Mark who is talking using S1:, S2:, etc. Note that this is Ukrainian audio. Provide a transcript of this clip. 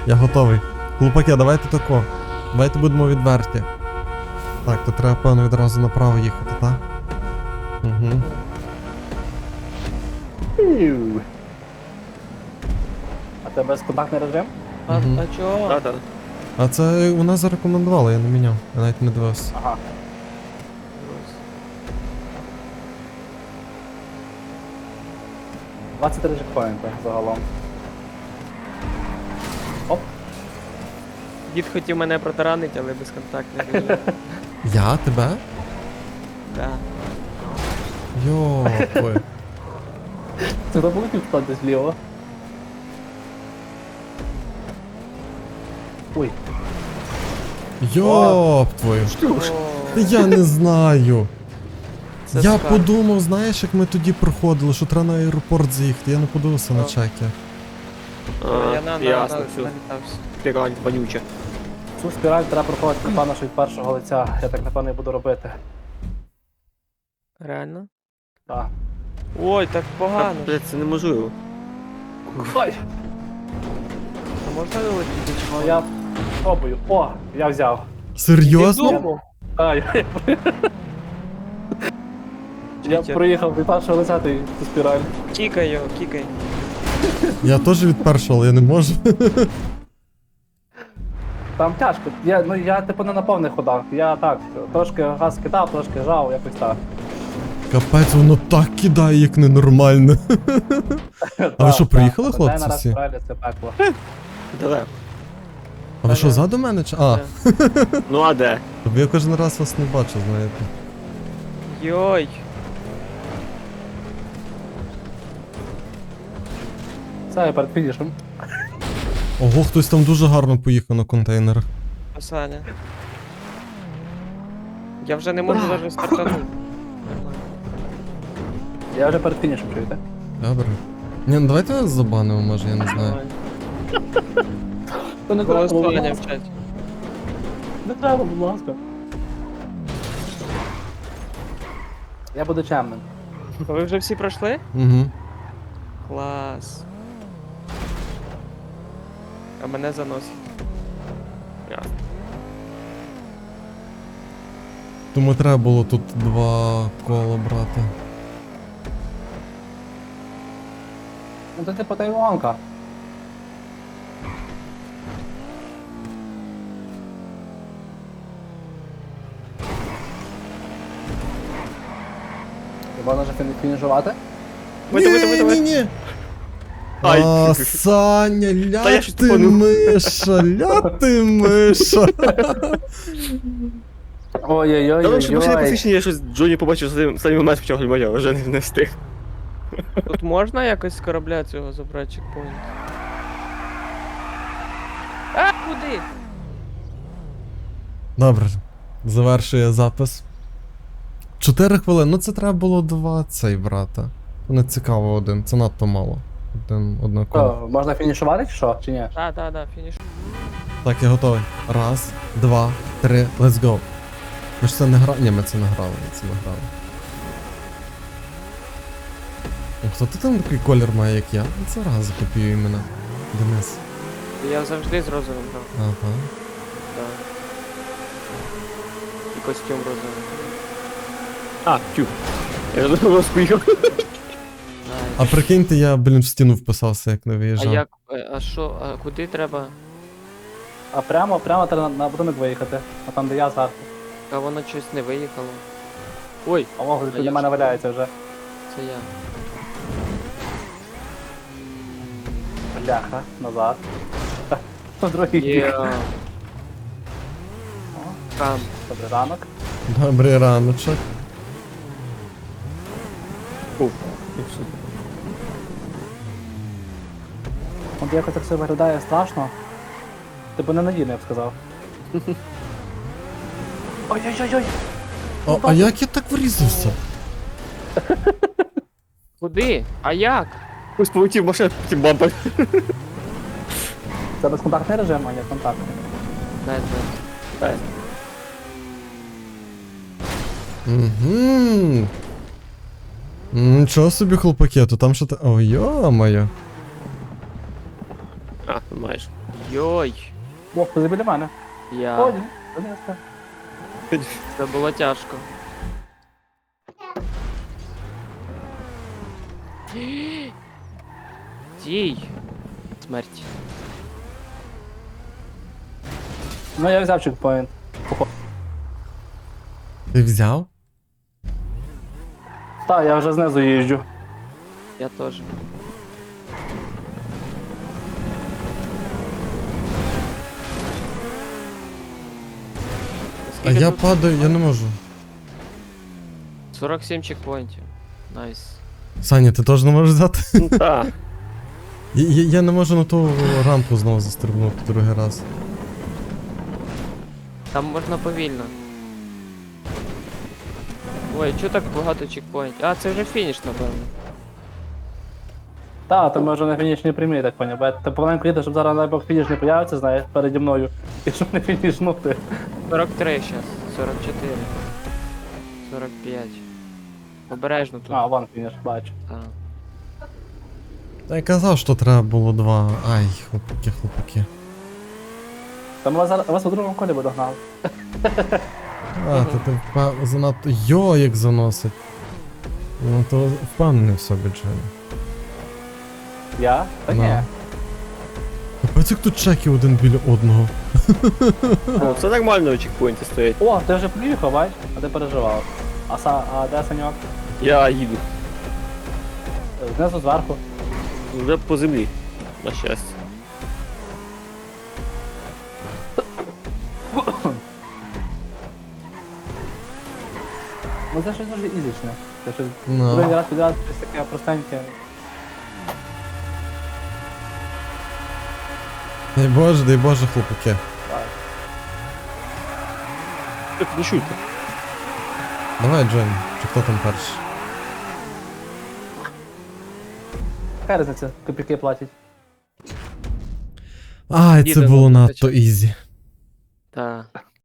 S1: Я готовий. Хлопаки, давайте тако. Давайте будемо відверті. Так, то треба, певно, відразу направо їхати, так? Угу.
S2: А це безконтактний режим?
S3: А,
S1: Мгм.
S3: а чого?
S4: Да-да.
S1: А це вона зарекомендувала, я не міняв. Я навіть не дивився.
S2: Ага. — 23 чекпоінти загалом. Оп.
S3: Дід хотів мене протаранити, але безконтактний режим.
S1: Я? Тебе?
S3: Да.
S1: Йопи.
S2: Це хто буде підходити зліво? Ой.
S1: Йоп твою.
S3: О,
S1: Та я не знаю.
S3: це
S1: Я
S3: скарб.
S1: подумав, знаєш, як ми тоді проходили, що треба на аеропорт заїхати. Я не подивився на
S3: Так.
S1: чеки.
S3: Я на
S4: Ясно, все.
S3: налітався.
S4: Піраль, вонюче.
S2: Цю спіраль треба проходити, напевно, що від першого лиця. Я так, напевно, і буду робити.
S3: Реально?
S2: Так.
S3: Ой, так погано.
S4: Блядь, це неможливо.
S2: Ой!
S3: А можна вилетіти?
S2: Ну я пробую. О, я взяв.
S1: Серйозно?
S2: А, я
S3: Читер.
S2: проїхав від першого лиця цю спіраль.
S3: Кікай його, кікай.
S1: Я теж від першого, але я не можу.
S2: Там тяжко. Я типу не на повних ходах. Я так, трошки газ кидав, трошки жав, якось так.
S1: Капець, воно так кидає, як ненормально. А ви що, приїхали, хлопці,
S2: День на
S1: всі?
S2: спіралі це пекло.
S4: Далеко.
S1: А ви що, ззаду мене? Чи? А,
S4: Ну а де?
S1: тобі я кожен раз вас не бачу, знаєте.
S3: Йой.
S2: Це я перед фінішем.
S1: Ого, хтось там дуже гарно поїхав на контейнерах.
S3: Саня. Я вже не можу навіть стартанути. Нормально.
S2: Я вже перед фінішем, чуєте?
S1: Добре. Ні, ну давайте нас забанимо, може, я не знаю.
S3: Нормально.
S2: То не треба, будь
S3: Голосування
S2: ласка.
S3: в чаті.
S2: Не треба, будь ласка. Я буду чемним.
S3: А ви вже всі пройшли?
S1: Угу.
S3: Клас. А мене заносить.
S4: Ясно.
S1: Тому треба було тут 2 кола брати.
S2: Ну це типу Тайванка. Можна вже фінішувати?
S1: Ні-ні-ні!
S4: Ай.
S1: А, Саня,
S4: Та я
S1: ля
S4: ж
S1: ти
S4: тупанув.
S1: миша, ля ти миша.
S2: Ой-ой-ой.
S4: Та лише машина посвідчення, я щось Джоні побачив останній момент почав глибоко, я вже не встиг.
S3: Тут можна якось з корабля цього забрати чекпоінт? А, куди?
S1: Добре, завершує запис. 4 хвилини, ну це треба було 2 цей брата. Не цікаво один, це надто мало. Одна коло.
S2: Що, можна фінішувати чи що? Чи ні?
S3: Да, фініш.
S1: Так, я готовий. 1, 2, 3, let's go. Ми ж це не грали. Ні, ми це не грали, ми це не грали. О, хто ти там такий колір має, як я? Це раз закопіює мене. Денис.
S3: Я завжди з розовим грав.
S1: Ага.
S3: Да. І костюм розовий.
S4: А, тю. Я вже вас поїхав.
S1: А прикиньте, я, блін, в стіну вписався, як не
S3: А
S1: виїжджав.
S3: як, а що, а куди треба?
S2: А прямо треба на будинок виїхати. А там де я зверху.
S3: А воно щось не виїхало. Ой,
S2: А мого
S3: А
S2: біля
S3: я
S2: мене
S3: ж-
S2: валяється вже.
S3: це я.
S2: Бляха, назад. Другий бік.
S3: Є.
S2: О,
S3: Там.
S2: добрий ранок.
S1: Добрий раночок.
S2: От якось так все виглядає страшно. Типу ненадійно, я б сказав. Ой-ой-ой-ой!
S1: А як я так врізався?
S3: Куди? А як?
S4: Ось полетів машина, потім бампер.
S2: Це безконтактний режим, а не контактний.
S3: Дай, дай.
S1: Угу. Нічого собі, хлопаки, то там що то. Ой, йо-моє.
S4: А, Майже.
S3: Йой.
S2: Ох, ти біля мене.
S3: Я.
S2: О, ні, Донецька.
S3: Це було тяжко. Дій. Смерть.
S2: Ну я взяв чекпоінт.
S1: Ти взяв?
S2: Так, я вже знизу їжджу.
S3: Я теж.
S1: А
S3: Скільки
S1: я
S3: тут?
S1: падаю, я не можу.
S3: 47 чекпоінтів. Найс.
S1: Саня, ти теж не можеш взяти?
S4: Ну так.
S1: Я не можу на ту рампу знову застрибнути другий раз.
S3: Там можна повільно. Ой, чого так багато чекпоінтів? А, це вже фініш, напевно.
S2: Так, то ми вже на фінішній прямій, так поняв. Бо я ти помаленьку їду, щоб зараз дай Бог фініш не появиться, знаєш, переді мною. І щоб не фінішнути.
S3: 43 зараз. 44. 45. Обережно тут.
S2: А, вон фініш, бачу.
S3: Так.
S1: Та я казав, що треба було 2. Ай, хлопаки.
S2: Там вас у другому колі би догнали.
S1: А, то ти занадто. Йо, як заносить. Ну то впевнений в собі, Джен.
S2: Я? Та ні.
S1: Ну. Капець, як тут чеки один біля одного.
S4: Ну, це нормально у чекпоінті стоять.
S2: О, ти вже приїхав, бач? А ти переживав. А де Саньок?
S4: Я їду.
S2: Знизу зверху.
S4: Вже по землі. На щастя.
S2: Ну це щось дуже ізічне. Це щось
S1: Ну.
S2: другий раз підряд щось таке простеньке.
S1: Дай Боже, хлопаки.
S4: Не чуйте.
S1: Давай, Джен, чи хто там перший?
S2: Яка різниця, копійки платять.
S1: Ай, це
S3: Їде
S1: було
S3: на
S1: надто ізі.
S3: Так.